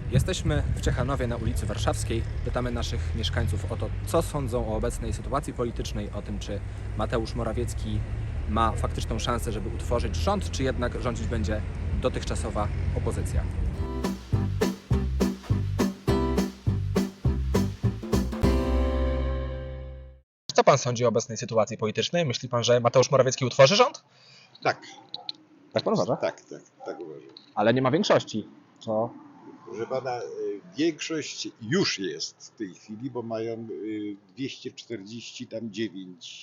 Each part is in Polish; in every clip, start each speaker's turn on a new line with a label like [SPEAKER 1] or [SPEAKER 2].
[SPEAKER 1] Jesteśmy w Ciechanowie na ulicy Warszawskiej. Pytamy naszych mieszkańców o to, co sądzą o obecnej sytuacji politycznej, o tym, czy Mateusz Morawiecki ma faktyczną szansę, żeby utworzyć rząd, czy jednak rządzić będzie dotychczasowa opozycja. Co pan sądzi o obecnej sytuacji politycznej? Myśli pan, że Mateusz Morawiecki utworzy rząd?
[SPEAKER 2] Tak,
[SPEAKER 1] Tak pan uważa?
[SPEAKER 2] tak uważam.
[SPEAKER 1] Ale nie ma większości. Co?
[SPEAKER 2] Proszę pana, większość już jest w tej chwili, bo mają 249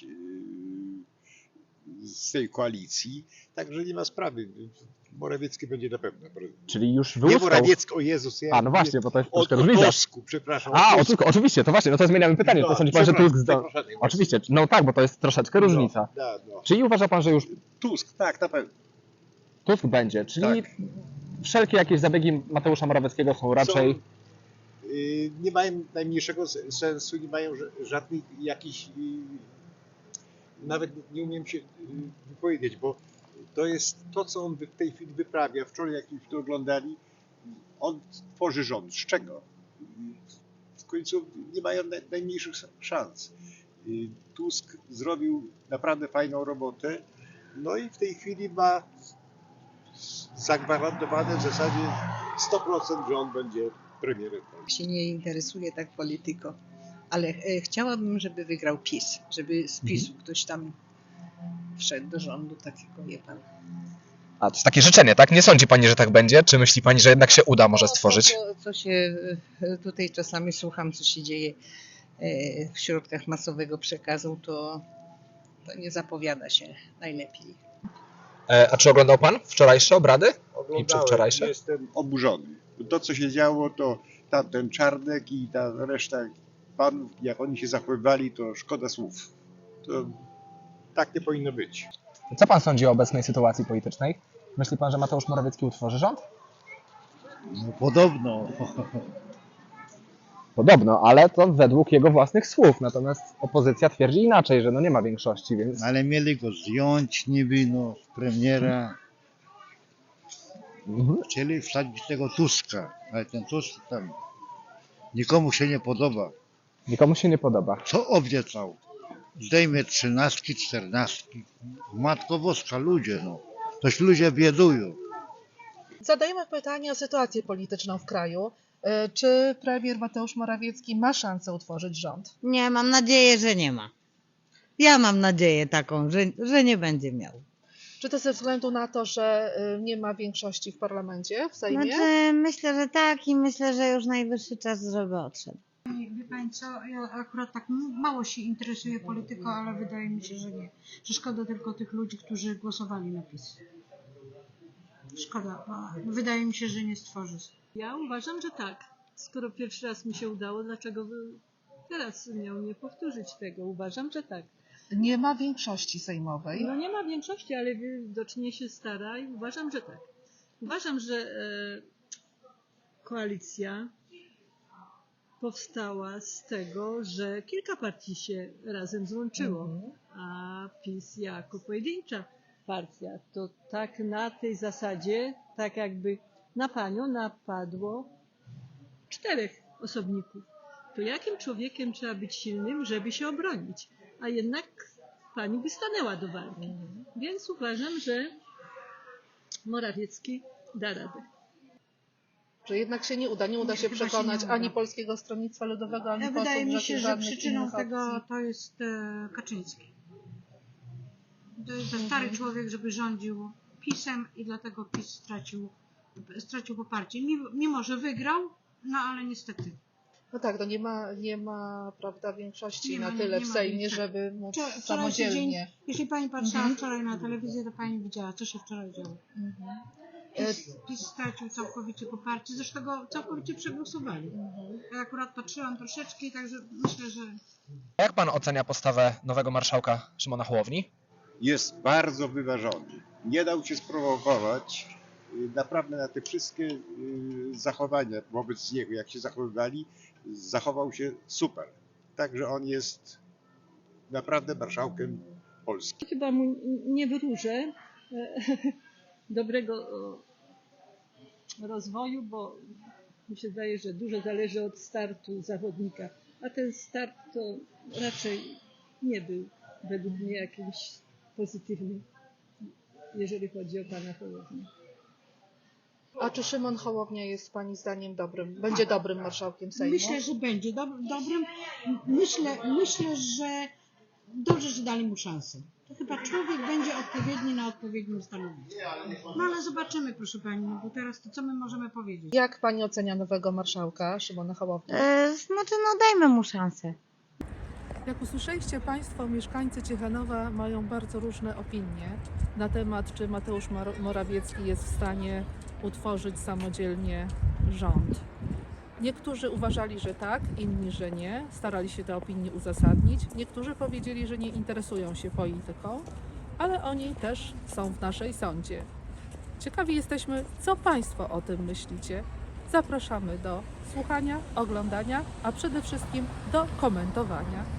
[SPEAKER 2] z tej koalicji, także nie ma sprawy. Morawiecki będzie na pewno.
[SPEAKER 1] Czyli już
[SPEAKER 2] Nie
[SPEAKER 1] wyłuskał...
[SPEAKER 2] Morawiecki, o Jezus. Ja
[SPEAKER 1] no właśnie, bo to jest
[SPEAKER 2] o
[SPEAKER 1] troszkę różnica.
[SPEAKER 2] Tusku, przepraszam.
[SPEAKER 1] O Tusku, oczywiście, to właśnie, no to zmieniamy pytanie. To sądzi pan, że Tusk... Oczywiście, no tak, bo to jest troszeczkę różnica.
[SPEAKER 2] No.
[SPEAKER 1] Czyli uważa pan, że już
[SPEAKER 2] Tusk, tak, na pewno.
[SPEAKER 1] Tusk będzie, czyli wszelkie jakieś zabiegi Mateusza Morawieckiego są raczej...
[SPEAKER 2] Nie mają najmniejszego sensu, nie mają żadnych jakichś... Nawet nie umiem się wypowiedzieć, bo to jest to, co on w tej chwili wyprawia. Wczoraj, jak to oglądali, on tworzy rząd. Z czego? W końcu nie mają najmniejszych szans. Tusk zrobił naprawdę fajną robotę, no i w tej chwili ma zagwarantowane w zasadzie 100%, że on będzie premierem.
[SPEAKER 3] Się nie interesuje tak polityką, ale chciałabym, żeby wygrał PiS, żeby z PiS-u ktoś tam wszedł do rządu takiego, wie pan.
[SPEAKER 1] A, to jest takie życzenie, tak? Nie sądzi pani, że tak będzie? Czy myśli pani, że jednak się uda może stworzyć?
[SPEAKER 3] Co się tutaj czasami słucham, co się dzieje w środkach masowego przekazu, to nie zapowiada się najlepiej.
[SPEAKER 1] A czy oglądał pan wczorajsze obrady?
[SPEAKER 2] Oglądałem,
[SPEAKER 1] I przedwczorajsze?
[SPEAKER 2] jestem oburzony. To, co się działo, to tamten Czarnek i ta reszta panów, jak oni się zachowywali, to szkoda słów. To tak nie powinno być.
[SPEAKER 1] Co pan sądzi o obecnej sytuacji politycznej? Myśli pan, że Mateusz Morawiecki utworzy rząd?
[SPEAKER 4] No, podobno.
[SPEAKER 1] Podobno, ale to według jego własnych słów. Natomiast opozycja twierdzi inaczej, że nie ma większości, więc...
[SPEAKER 4] Ale mieli go zdjąć niby z premiera. Chcieli wsadzić tego Tuska, ale ten Tusk tam nikomu się nie podoba.
[SPEAKER 1] Nikomu się nie podoba.
[SPEAKER 4] Co obiecał? Zdejmie 13, 14. Matko Boska, ludzie Toś ludzie biedują.
[SPEAKER 5] Zadajemy pytanie o sytuację polityczną w kraju. Czy premier Mateusz Morawiecki ma szansę utworzyć rząd?
[SPEAKER 6] Nie, mam nadzieję, że nie ma. Ja mam nadzieję taką, że nie będzie miał.
[SPEAKER 5] Czy to ze względu na to, że nie ma większości w parlamencie, w Sejmie?
[SPEAKER 6] Znaczy, myślę, że tak i myślę, że już najwyższy czas, żeby odszedł.
[SPEAKER 7] Wie pani co, ja akurat tak mało się interesuję polityką, ale wydaje mi się, że nie. Że szkoda tylko tych ludzi, którzy głosowali na PiS. Szkoda, bo wydaje mi się, że nie stworzy.
[SPEAKER 8] Ja uważam, że tak. Skoro pierwszy raz mi się udało, dlaczego teraz miał nie powtórzyć tego? Uważam, że tak.
[SPEAKER 5] Nie ma większości sejmowej.
[SPEAKER 8] No nie ma większości, ale widocznie się stara i uważam, że tak. Uważam, że koalicja powstała z tego, że kilka partii się razem złączyło, a PiS jako pojedyncza partia, to tak na tej zasadzie, tak jakby na panią napadło 4 osobników. To jakim człowiekiem trzeba być silnym, żeby się obronić? A jednak pani by stanęła do walki. Więc uważam, że Morawiecki da radę.
[SPEAKER 5] Że jednak się nie uda się przekonać ani Polskiego Stronnictwa Ludowego, ani posłów,
[SPEAKER 7] Wydaje mi się, że
[SPEAKER 5] żadnych
[SPEAKER 7] przyczyną
[SPEAKER 5] innych
[SPEAKER 7] tego
[SPEAKER 5] opcji.
[SPEAKER 7] to jest Kaczyński. To jest za stary człowiek, żeby rządził PiS-em i dlatego PiS stracił poparcie. Mimo, że wygrał, no ale niestety.
[SPEAKER 5] No tak, to nie ma prawda, większości
[SPEAKER 7] Nie ma,
[SPEAKER 5] na tyle
[SPEAKER 7] nie
[SPEAKER 5] w
[SPEAKER 7] ma
[SPEAKER 5] Sejmie,
[SPEAKER 7] większości.
[SPEAKER 5] żeby móc
[SPEAKER 7] Wczorajszy
[SPEAKER 5] samodzielnie.
[SPEAKER 7] dzień, jeśli pani patrzyła wczoraj na telewizję, to pani widziała, co się wczoraj działo. PiS stracił całkowicie poparcie, zresztą go całkowicie przegłosowali. Ja akurat patrzyłam troszeczkę, także myślę, że...
[SPEAKER 1] Jak pan ocenia postawę nowego marszałka Szymona Hołowni?
[SPEAKER 2] Jest bardzo wyważony. Nie dał się sprowokować. Naprawdę na te wszystkie zachowania wobec niego, jak się zachowywali, zachował się super. Także on jest naprawdę marszałkiem Polski.
[SPEAKER 8] Chyba mu nie wróżę dobrego rozwoju, bo mi się zdaje, że dużo zależy od startu zawodnika, a ten start to raczej nie był według mnie jakimś pozytywny, jeżeli chodzi o pana Hołownię.
[SPEAKER 5] A czy Szymon Hołownia jest Pani zdaniem będzie dobrym marszałkiem Sejmu?
[SPEAKER 7] Myślę, że będzie dobrym. Myślę, że dobrze, że dali mu szansę. To chyba człowiek będzie odpowiedni na odpowiednim stanowisku. No ale zobaczymy, proszę Pani, no bo teraz to co my możemy powiedzieć?
[SPEAKER 5] Jak Pani ocenia nowego marszałka Szymona Hołownię?
[SPEAKER 6] Znaczy, no dajmy mu szansę.
[SPEAKER 5] Jak usłyszeliście Państwo, mieszkańcy Ciechanowa mają bardzo różne opinie na temat, czy Mateusz Morawiecki jest w stanie utworzyć samodzielnie rząd. Niektórzy uważali, że tak, inni, że nie. Starali się te opinie uzasadnić. Niektórzy powiedzieli, że nie interesują się polityką, ale oni też są w naszej sądzie. Ciekawi jesteśmy, co Państwo o tym myślicie. Zapraszamy do słuchania, oglądania, a przede wszystkim do komentowania.